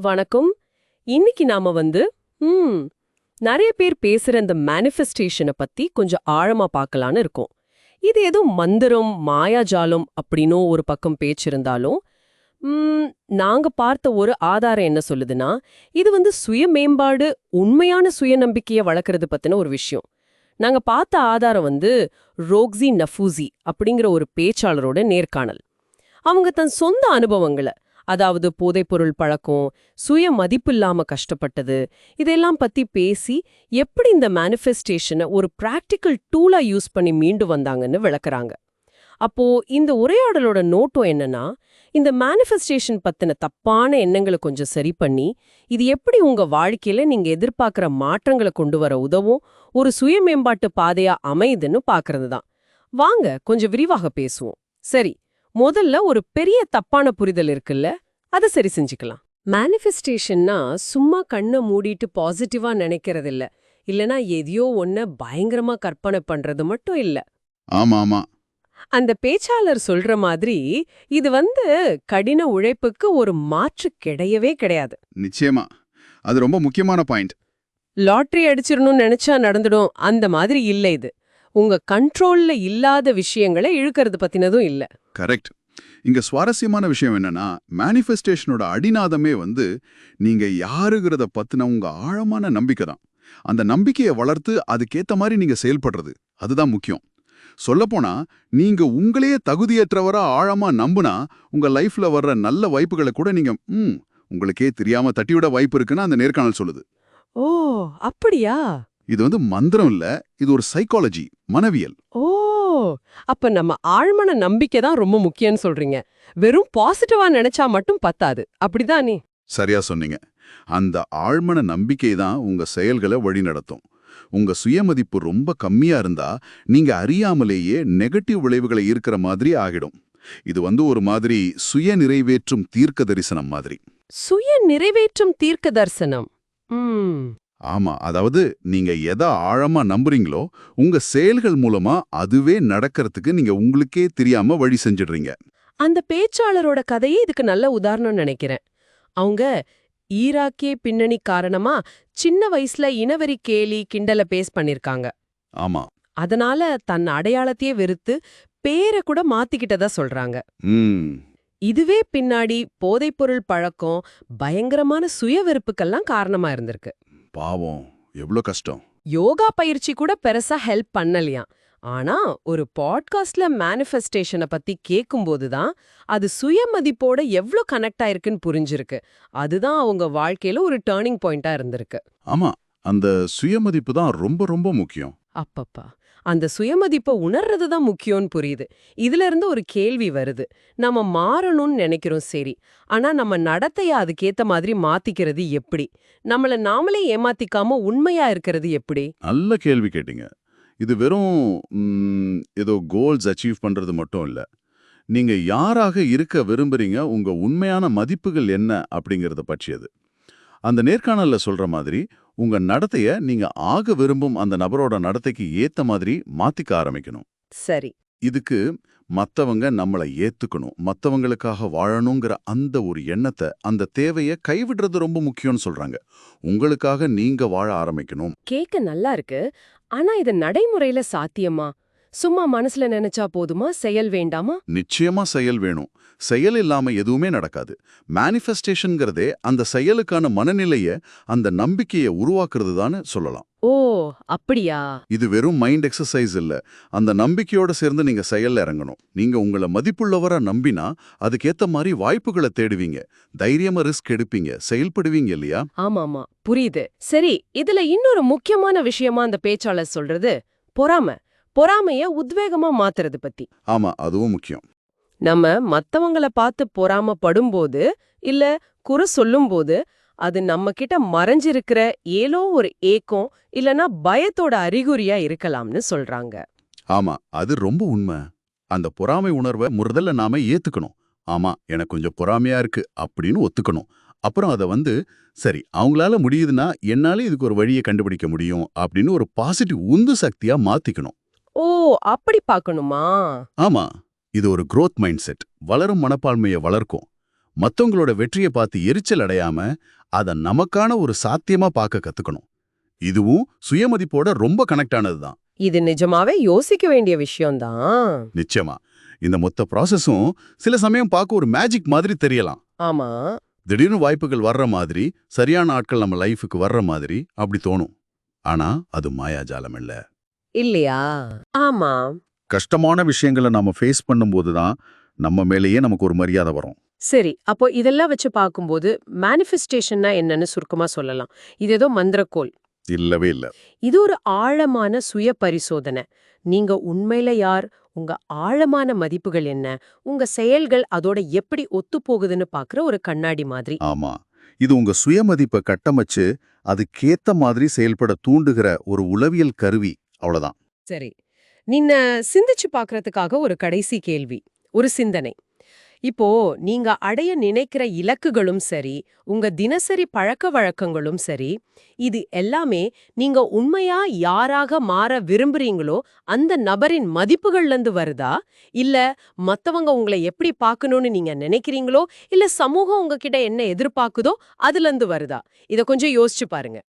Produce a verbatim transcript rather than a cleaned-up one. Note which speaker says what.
Speaker 1: வணக்கம். இன்னைக்கு நாம வந்து ம் நிறைய பேர் பேசுற இந்த மேனிஃபெஸ்டேஷனை பத்தி கொஞ்சம் ஆழமா பார்க்கலான்னு இருக்கோம். இது ஏதோ மந்திரம் மாயாஜாலம் அப்படின்னோ ஒரு பக்கம் பேச்சு இருந்தாலும் ம், நாங்க பார்த்த ஒரு ஆதாரம் என்ன சொல்லுதுன்னா, இது வந்து சுய மேம்பாடு, உண்மையான சுயநம்பிக்கையை வளர்க்கறது பத்தின ஒரு விஷயம். நாங்க பார்த்த ஆதாரம் வந்து ரோக்ஸி நஃபூசி அப்படிங்கிற ஒரு பேச்சாளரோட நேர்காணல். அவங்க தன் சொந்த அனுபவங்களை, அதாவது போதைப்பொருள் பழக்கம், சுய மதிப்பில்லாம கஷ்டப்பட்டது, இதெல்லாம் பத்தி பேசி எப்படி இந்த மேனிஃபெஸ்டேஷனை ஒரு பிராக்டிக்கல் டூலா யூஸ் பண்ணி மீண்டு வந்தாங்கன்னு விளக்குறாங்க. அப்போ இந்த உரையாடலோட நோக்கம் என்னன்னா, இந்த மேனிஃபெஸ்டேஷன் பத்தின தப்பான எண்ணங்களை கொஞ்சம் சரி பண்ணி, இது எப்படி உங்க வாழ்க்கையில நீங்க எதிர்பார்க்கிற மாற்றங்களை கொண்டு வர உதவும் ஒரு சுய மேம்பாட்டு பாதையா அமையுதுன்னு பாக்குறது தான். வாங்க கொஞ்சம் விரிவாக பேசுவோம். சரி, முதல்ல ஒரு பெரிய தப்பான புரிதல் இருக்குல்ல, அதை சரி செஞ்சுக்கலாம். மேனிஃபெஸ்டேஷன்னா சும்மா கண்ணை மூடிட்டு பாசிட்டிவா நினைக்கிறது இல்ல, இல்லனா எதையோ ஒன்ன பயங்கரமா கற்பனை பண்றது மட்டும் இல்ல.
Speaker 2: ஆமா ஆமா
Speaker 1: அந்த பேச்சாளர் சொல்ற மாதிரி இது வந்து கடின உழைப்புக்கு ஒரு மாற்று கிடையவே கிடையாது.
Speaker 2: நிச்சயமா. அது ரொம்ப முக்கியமான பாயிண்ட்.
Speaker 1: லாட்டரி அடிச்சிடணும்னு நினைச்சா நடந்துடும் அந்த மாதிரி இல்ல. இது உங்க கண்ட்ரோல்ல இல்லாத விஷயங்களை இழுக்கிறது பத்தினதும் இல்ல.
Speaker 2: கரெக்ட். இங்க சுவாரஸ்யமான விஷயம் என்னன்னா, மேனிஃபெஸ்டேஷனோட அடிநாதமே வந்து நீங்க யாருங்கிறத பத்தின உங்க ஆழமான நம்பிக்கை தான். அந்த நம்பிக்கையை வளர்த்து அதுக்கேத்த மாதிரி நீங்க செயல்படுறது, அதுதான் முக்கியம். சொல்லப்போனா, நீங்க உங்களையே தகுதியற்றவரா ஆழமா நம்புனா, உங்க லைஃப்ல வர்ற நல்ல வாய்ப்புகளை கூட நீங்க ம் உங்களுக்கே தெரியாம தட்டிவிட வாய்ப்பு இருக்குன்னு அந்த நேர்காணல் சொல்லுது.
Speaker 1: ஓ, அப்படியா?
Speaker 2: இது வந்து மந்திரம் இல்ல, இது ஒரு சைக்காலஜி, மனவியல்.
Speaker 1: ஓ, அப்ப நம்ம ஆழ்மன நம்பிக்கை தான் ரொம்ப முக்கியம்னு சொல்றீங்க. வெறும் பாசிட்டிவா நினைச்சா மட்டும் பத்தாது, அப்படிதானே?
Speaker 2: சரியா சொன்னீங்க. அந்த ஆழ்மன நம்பிக்கை தான் உங்க செயல்களை வழிநடத்தும். உங்க சுயமதிப்பு ரொம்ப கம்மியா இருந்தா, நீங்க அறியாமலேயே நெகட்டிவ் விளைவுகளை ஈர்க்கிற மாதிரி ஆகிடும். இது வந்து ஒரு மாதிரி சுய நிறைவேற்றும் தீர்க்க தரிசனம் மாதிரி.
Speaker 1: சுய நிறைவேற்றும் தீர்க்க தரிசனம். ம்,
Speaker 2: ஆமா, அதாவது நீங்க எதை ஆழமா நம்புறீங்களோ, உங்க செயல்கள் மூலமா அதுவே நடக்கிறதுக்கு நீங்க உங்களுக்கே தெரியாம வழி செஞ்சிடுறீங்க.
Speaker 1: அந்த பேச்சாளரோட கதையே இதுக்கு நல்ல உதாரணம் நினைக்கிறேன். அவங்க ஈராக்கிய பின்னணி காரணமா சின்ன வயசுல இனவெறி கேலி கிண்டல பேஸ் பண்ணிருக்காங்க.
Speaker 2: ஆமா.
Speaker 1: அதனால தன் அடையாளத்தையே வெறுத்து பேரை கூட மாத்திக்கிட்டதா சொல்றாங்க.
Speaker 2: ம்
Speaker 1: இதுவே பின்னாடி போதைப்பொருள் பழக்கம், பயங்கரமான சுய வெறுப்புக்கெல்லாம் காரணமா இருந்திருக்கு.
Speaker 2: பாவம், எவ்வளோ கஷ்டம்.
Speaker 1: யோகா பயிற்சி கூட பெருசா ஹெல்ப் பண்ணலையாம். ஆனா ஒரு பாட்காஸ்ட்ல மேனிஃபெஸ்டேஷனை பத்தி கேட்கும்போது தான் அது சுயமதிப்போட எவ்ளோ கனெக்ட் ஆயிருக்குன்னு புரிஞ்சிருக்கு. அதுதான் அவங்க வாழ்க்கையில ஒரு டேர்னிங் பாயிண்டா இருந்திருக்கு.
Speaker 2: ஆமா, அந்த சுயமதிப்பு தான் ரொம்ப ரொம்ப முக்கியம்.
Speaker 1: அப்பப்பா, அந்த சுயமதிப்பை உணர்றது தான் முக்கியம்னு புரியுது. இதுல இருந்து ஒரு கேள்வி வருது. நம்ம மாறணும்னு நினைக்கிறோம், சரி. ஆனா நம்ம நடத்தைய அதுக்கேத்த மாதிரி மாத்திக்கிறது எப்படி? நம்மள நாமளே ஏமாத்திக்காம உண்மையா இருக்கிறது எப்படி?
Speaker 2: நல்ல கேள்வி கேட்டீங்க. இது வெறும் ம், ஏதோ கோல்ஸ் அச்சீவ் பண்றது மட்டும் இல்ல. நீங்க யாராக இருக்க விரும்புறீங்க, உங்க உண்மையான மதிப்புகள் என்ன அப்படிங்கறத பற்றியது. அந்த நேர்காணல்ல சொல்ற மாதிரி உங்க நடத்தைய நீங்க ஆக விரும்பும் அந்த நபரோட நடத்தைக்கு ஏத்த மாதிரி மாத்திக்க ஆரம்பிக்கணும்.
Speaker 1: சரி.
Speaker 2: இதுக்கு மத்தவங்க நம்மளை ஏத்துக்கணும், மத்தவங்களுக்காக வாழணுங்கிற அந்த ஒரு எண்ணத்தை, அந்த தேவையை கைவிடுறது ரொம்ப முக்கியம்னு சொல்றாங்க. உங்களுக்காக நீங்க வாழ ஆரம்பிக்கணும்.
Speaker 1: கேக்க நல்லா இருக்கு. ஆனா இது நடைமுறையில சாத்தியமா? சும்மா மனசுல நினைச்சா போதுமா? செயல் வேண்டாமா?
Speaker 2: நிச்சயமா செயல் வேணும். செயல் இல்லாம எதுவுமே நடக்காது. மேனிஃபெஸ்டேஷன்ங்கிறதே அந்த செயலுக்கான மனநிலைய, அந்த நம்பிக்கையை உருவாக்குறது தான் சொல்லலாம்.
Speaker 1: ஓ, அப்படியா?
Speaker 2: இது வெறும் மைண்ட் எக்ஸசைஸ் இல்ல. அந்த நம்பிக்கையோட சேர்ந்து நீங்க செயல்ல இறங்கணும். நீங்க உங்கள மதிப்புள்ளவரா நம்பினா அதுக்கேத்த மாதிரி வாய்ப்புகளை தேடுவீங்க, தைரியமா ரிஸ்க் எடுப்பீங்க, செயல்படுவீங்க இல்லையா?
Speaker 1: ஆமாமா, புரியுது. சரி, இதுல இன்னொரு முக்கியமான விஷயமா அந்த பேச்சாளர் சொல்றது பொறாம. பொறாமைய உத்வேகமா மாத்துறது பத்தி.
Speaker 2: ஆமா, அதுவும் முக்கியம்.
Speaker 1: நம்ம மத்தவங்கள பார்த்து பொறாமப்படும்போது, இல்ல குறை சொல்லும்போது, அது நம்ம கிட்ட மறைஞ்சிருக்கிற ஏதோ ஒரு ஏக்கம் இல்லனா பயத்தோட அறிகுறியா இருக்கலாம்னு சொல்றாங்க.
Speaker 2: ஆமா, அது ரொம்ப உண்மை. அந்த பொறாமை உணர்வை முதல்ல நாம ஏத்துக்கணும். ஆமா, எனக்கு கொஞ்சம் பொறாமையா இருக்கு அப்படின்னு ஒத்துக்கணும். அப்புறம் அதை வந்து, சரி, அவங்களால முடியுதுன்னா என்னால இதுக்கு ஒரு வழியை கண்டுபிடிக்க முடியும் அப்படின்னு ஒரு பாசிட்டிவ் உந்து சக்தியா மாத்திக்கணும்.
Speaker 1: ஓ, அப்படி பார்க்கணுமா?
Speaker 2: ஆமா, இது ஒரு growth மைண்ட் செட், வளரும் மனப்பான்மையை வளர்க்கும். மத்தவங்களோட வெற்றியை பார்த்து எரிச்சல் அடையாம அத நமக்கான ஒரு சாத்தியமா பார்க்க கத்துக்கணும். இதுவும் சுயமதிப்போட ரொம்ப கனெக்ட் ஆனதுதான்.
Speaker 1: இது நிஜமாவே யோசிக்க வேண்டிய விஷயம்தான்.
Speaker 2: நிச்சயமா இந்த மொத்த ப்ராசஸும் சில சமயம் பார்க்க ஒரு மேஜிக் மாதிரி தெரியலாம்.
Speaker 1: ஆமா.
Speaker 2: திடீர்னு வாய்ப்புகள் வர்ற மாதிரி, சரியான ஆட்கள் நம்ம லைஃபுக்கு வர்ற மாதிரி அப்படி தோணும். ஆனா அது மாயாஜாலம் இல்ல.
Speaker 1: இல்லையா? ஆமா.
Speaker 2: கஷ்டமான விஷயங்களை நாம ஃபேஸ் பண்ணும்போது தான் நம்ம மேலேயே நமக்கு ஒரு மரியாதை வரும்.
Speaker 1: சரி, அப்போ இதெல்லாம் வச்சு பார்க்கும்போது மேனிஃபெஸ்டேஷன்னா என்னன்னு சுருக்கமா சொல்லலாம். இது ஏதோ மந்திரக்கோல்
Speaker 2: இல்லவே இல்ல.
Speaker 1: இது ஒரு ஆழமான சுய பரிசோதனை. நீங்க உண்மையில யார், உங்க ஆழமான மதிப்புகள் என்ன, உங்க செயல்கள் அதோட எப்படி ஒத்துப்போகுதுன்னு பார்க்குற ஒரு கண்ணாடி மாதிரி.
Speaker 2: ஆமா, இது உங்க சுயமதிப்பை கட்டமைச்சு அதுக்கேத்த மாதிரி செயல்பட தூண்டுகிற ஒரு உளவியல் கருவி. அவ்வளவுதான்.
Speaker 1: சரி, நீங்க சிந்திச்சு பார்க்கறதுக்காக ஒரு கடைசி கேள்வி, ஒரு சிந்தனை. இப்போ நீங்க அடைய நினைக்கிற இலக்குகளும் சரி, உங்க தினசரி பழக்க வழக்கங்களும் சரி, இது எல்லாமே நீங்க உண்மையா யாராக மாற விரும்புறீங்களோ அந்த நபரின் மதிப்புகள்ல இருந்து வருதா, இல்ல மத்தவங்க உங்களை எப்படி பார்க்கணும்னு நீங்க நினைக்கிறீங்களோ, இல்ல சமூகம் உங்ககிட்ட என்ன எதிர்பார்க்குதோ அதுல இருந்து வருதா? இத கொஞ்சம் யோசிச்சு பாருங்க.